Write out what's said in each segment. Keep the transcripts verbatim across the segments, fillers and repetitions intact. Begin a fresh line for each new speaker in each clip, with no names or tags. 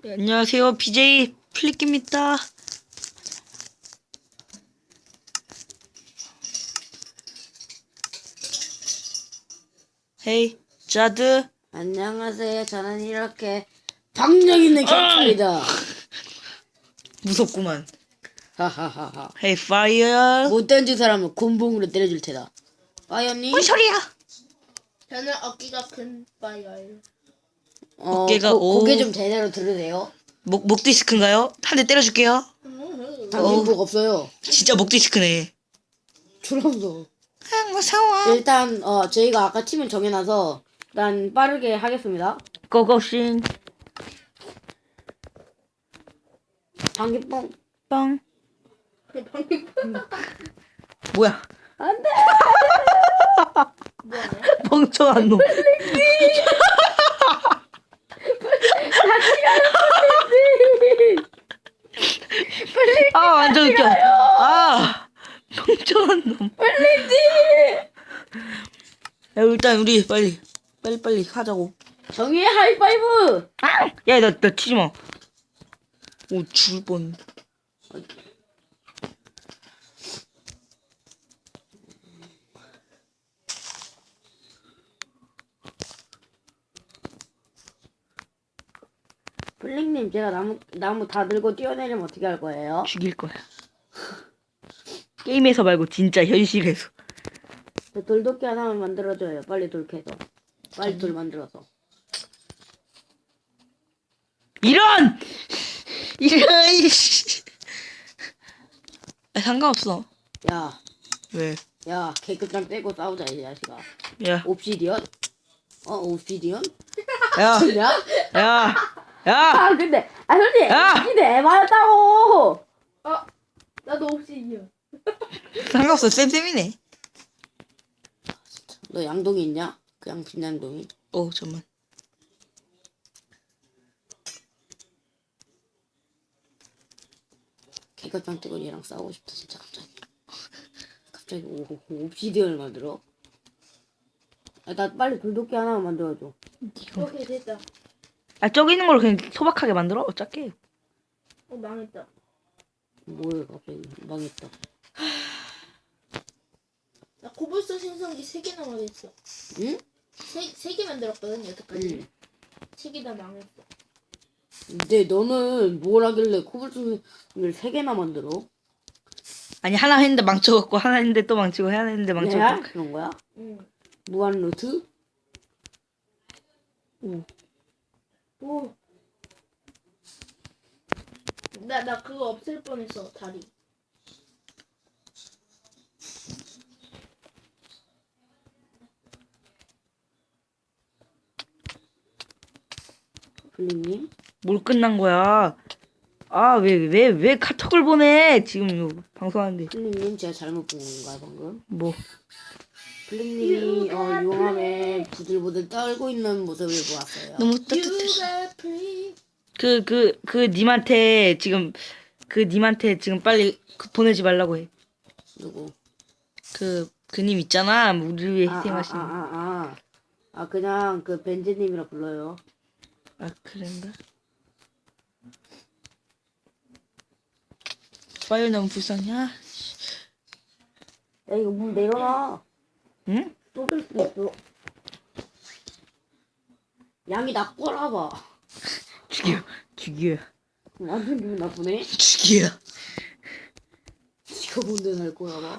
네, 안녕하세요. 비제이 플리키입니다. 헤이, 자드.
안녕하세요. 저는 이렇게 박력 있는 경찰이다.
무섭구만.
하하하하.
헤이, 파이어.
못 던진 사람은 곤봉으로 때려줄 테다. 빠이언니?
뭔 소리야?
저는 어깨가 큰 빠이어예요.
어,
어깨가
고,
오.
고개 좀 제대로 들으세요.
목, 목 디스크인가요? 한 대 때려줄게요.
당신 복 없어요.
진짜 목 디스크네.
줄었어.
아, 무서워.
일단 어 저희가 아까 팀을 정해놔서 일단 빠르게 하겠습니다.
고고싱.
방귀뽕.
빵. 뭐야?
안돼.
뭐하냐?
멍청한 놈. 아, 완전 웃겨. 아, 멍청한 놈. 야, 일단 우리 빨리 빨리 빨리 하자고.
정의의 하이파이브.
아! 야, 나, 나 치지 마. 오, 죽을 뻔.
블링님 제가 나무 나무 다 들고 뛰어내리면 어떻게 할 거예요?
죽일 거야. 게임에서 말고 진짜 현실에서.
저 돌도끼 하나만 만들어줘요. 빨리 돌 캐서. 빨리 돌 만들어서.
이런! 이런, 이씨. 아, 상관없어.
야,
왜?
야, 개급장 떼고 싸우자 이 자식아.
야,
옵시디언? 어, 옵시디언?
야,
그냥?
야, 야!
아, 근데, 아, 솔직히,
야!
옵시디언 에바였다고!
아, 나도 옵시디언.
상관없어. 쌤쌤이네.
너 양동이 있냐? 그 양심 양동이?
오, 잠만.
개급장 떼고 얘랑 싸우고 싶다, 진짜 갑자기. 갑자기 오, 오, 옵시디언을 만들어? 아, 나 빨리 돌도끼 하나만 만들어줘.
오케이, 됐다.
아, 저기 있는 걸 그냥 소박하게 만들어? 어차피.
어, 망했다.
뭐야, 갑자기. 망했다.
나 코블스톤 생성기 세 개 남아있어.
응?
세, 세 개 만들었거든, 여태까지.
응.
세 개 다 망했어.
근데 너는 뭘 하길래 코블스톤을 세 개나 만들어?
아니, 하나 했는데 망쳐갖고, 하나 했는데 또 망치고, 하나 했는데
내가?
망쳐갖고.
그런 거야?
응.
무한 루트?
오.
오. 나, 나 그거 없앨 뻔했어, 다리.
블링님?
뭘 끝난 거야? 아, 왜, 왜, 왜 카톡을 보내? 지금 이거 방송하는데.
블링님 제가 잘못 본 건가요 방금?
뭐.
블링님이 어, 용암에 부들부들 떨고 있는 모습을 보았어요.
너무
You
따뜻해.
are free.
그, 그, 그, 님한테 지금, 그, 님한테 지금 빨리 그 보내지 말라고 해.
누구?
그, 그 님 있잖아. 우리 위해
아, 아, 아,
희생하신. 아,
아, 아. 아 그냥 그 벤즈님이라 불러요.
아, 그런가? 파일 너무 불쌍해.
야 이거 문 내려놔.
응?
쏟을 수 있어. 양이 나 꼬라봐.
죽여. 죽여.
완전 기분 나쁘네.
죽여.
지가 뭔데 날 꼬라봐.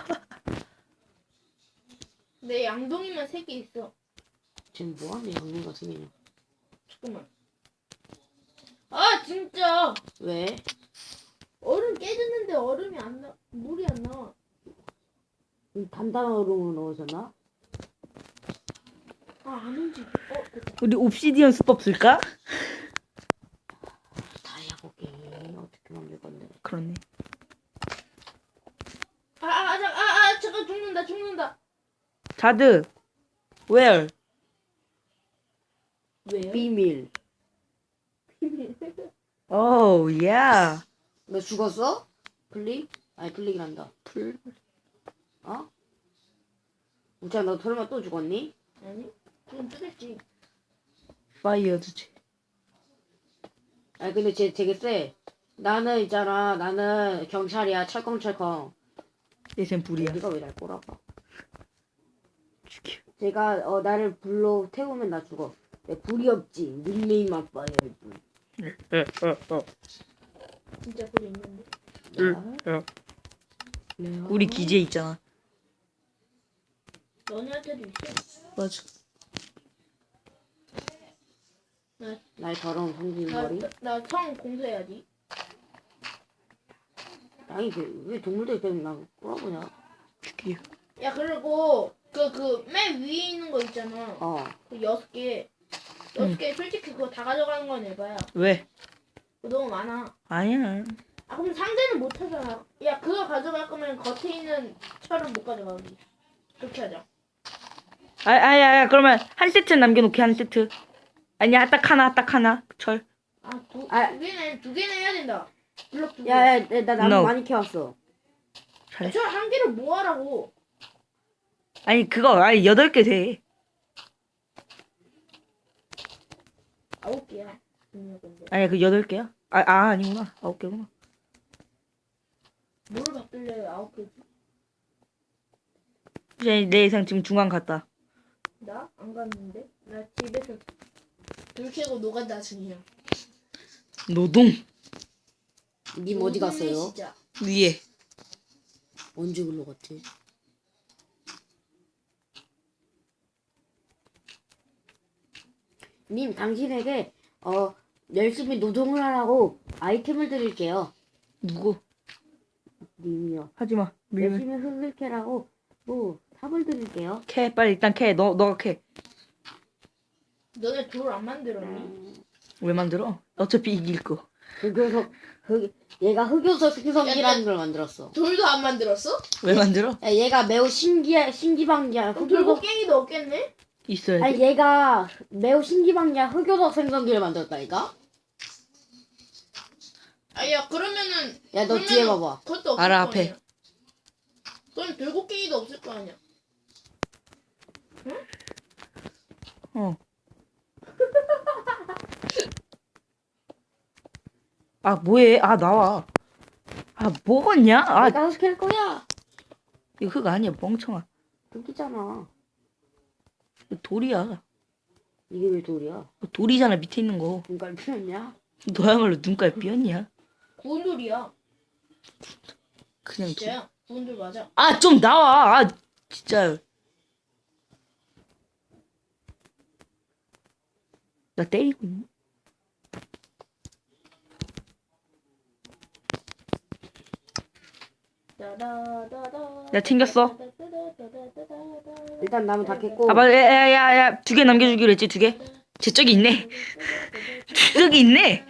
내 양동이만 세 개 있어.
지금 뭐하네 양님 같은 개냐.
잠깐만. 아, 진짜.
왜?
얼음 깨졌는데 얼음이 안 나, 물이 안 나와.
이 단단한 얼음으로 넣으셨나?
아, 안 움직여. 어, 됐다.
우리 옵시디언 수법 쓸까?
다이아 고기 어떻게 만들 건데?
그렇네.
아, 아, 아, 아, 아, 잠깐 죽는다, 죽는다.
자드. Where?
왜요?
비밀.
Oh, yeah.
너 죽었어? 플릭? 아니 플릭이란다.
풀.
어? 우찬 너 설마 또 죽었니?
아니, 그럼 뜨겠지.
파이어 주지.
아니 근데 쟤 되게 세. 나는 있잖아. 나는 경찰이야. 철컹철컹.
얘쟨 불이야.
네가 왜 날 꼬라봐?
죽여.
제가 어 나를 불로 태우면 나 죽어. 내 불이 없지. 닉네임만 봐야지.
어어어.
진짜 그게 있는데.
어.
레아.
우리 기지에 있잖아.
너네한테도 있어.
맞아.
나의 더러운 성질머리.
나나성 공수해야지.
아니 그, 왜 동물들 때문에 나 꼬라보냐?
죽여.
야 그리고 그 그 맨 위에 있는 거 있잖아.
어.
그 여섯 개. 여섯 개 솔직히 그거 다 가져가는 건 에바야.
왜?
그거 너무 많아.
아니야.
아 그럼 상대는 못 하잖아. 야 그거 가져갈 거면 겉에 있는 철은 못 가져가기. 그렇게 하자.
아, 아야, 야, 그러면 한 세트 남겨놓게 한 세트. 아니야, 딱 하나, 딱 하나. 철.
아두
아.
두 개는 두 개는 해야 된다. 블럭 두 개.
야야 나 나무
No.
많이 캐왔어.
잘해.
철한 개를 뭐 하라고?
아니, 그거, 아니, 여덟 개 돼.
아홉 개야. 분명 근데
아니, 그 여덟 개야? 아, 아, 아니구나. 아홉 개구나.
뭐를 받길래 아홉 개지?
이제 내 예상 지금 중간 갔다.
나 안 갔는데. 나 집에서 불 켜고 노간다 중이야.
노동.
님 어디 갔어요?
진짜.
위에.
언제 글로 갔지? 님 당신에게 어 열심히 노동을 하라고 아이템을 드릴게요.
누구?
님이요.
하지마. 밀면.
열심히 흙을 캐라고 뭐 삽을 드릴게요.
캐, 빨리 일단 캐. 너, 너가 캐.
너네 돌 안 만들었니?
왜 만들어? 어차피 이길 거.
흑요석 흑 얘가 흑요석 생성기라는 걸 만들었어.
돌도 안 만들었어?
왜 만들어?
야, 얘가 매우 신기해 신기방기한
그럼
흑요석.
돌고갱이도 없겠네?
있어야지.
아니 얘가 매우 신기방기한 흑요석 생성기를 만들었다니까.
아야 그러면은
야 너
그러면은
뒤에 봐봐.
그것도 없을
알아,
거
앞에.
아니야. 그럼 돌고갱이도 없을 거 아니야.
어. 아, 뭐해? 아, 나와. 아, 먹었냐? 아,
내가 흑캘 거야.
이거 흙 아니야, 멍청아.
흑이잖아.
이거 돌이야.
이게 왜 돌이야?
이거 돌이잖아, 밑에 있는 거.
눈깔 피었냐?
너야말로 눈깔 삐었냐?
구운 돌이야.
그냥 돌.
진짜야. 구운 돌 맞아.
아, 좀 나와. 아, 진짜. 나 때리고 있네. 야, 챙겼어.
일단 나무 다 캤고.
아, 맞아. 야, 야, 야, 두 개 남겨주기로 했지, 두 개? 제 쪽이 있네. 저기 있네.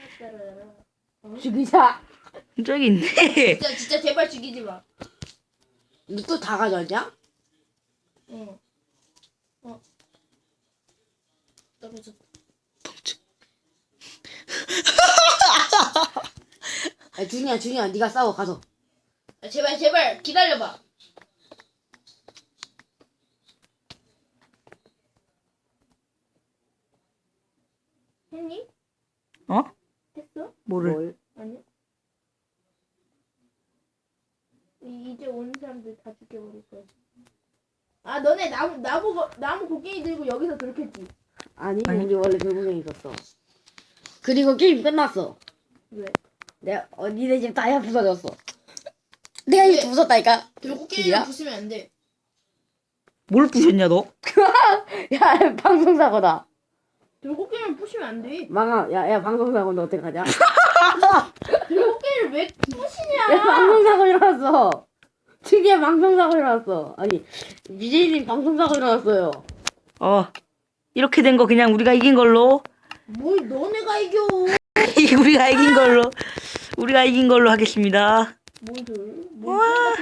죽이자.
저기 있네.
진짜 진짜 제발 죽이지 마.
너 또 다 가져왔냐?
응. 어. 떨어졌다.
야 준이야 준이야 네가 싸워 가서.
아, 제발 제발 기다려봐. 했니?
어?
했어?
뭐를?
뭘?
아니야. 이- 이제 오는 사람들 다 죽여버릴 거야. 아 너네 나무 나무 거- 나무 곡괭이 들고 여기서 그렇겠지.
아니,
아니.
우리 원래 돌고갱이 있었어. 그리고 게임 끝났어.
왜?
내가 어 니네 집 다이아 부서졌어. 내가 이거 부쉈다니까.
돌고갱이를
길이야?
부수면 안 돼.
뭘 부셨냐, 너?
야 방송사고다.
돌고갱이를 부시면 안 돼.
망아 야야 방송사고인데 어떡하냐?
돌고갱이를 왜 부시냐?
야 방송사고 일어났어. 특이한 방송사고 일어났어. 아니 유재인님 방송사고 일어났어요.
어. 이렇게 된 거 그냥 우리가 이긴 걸로.
뭘 너네가 이겨?
우리가 이긴 걸로. 우리가 이긴 걸로 하겠습니다.
뭘 돌?
와.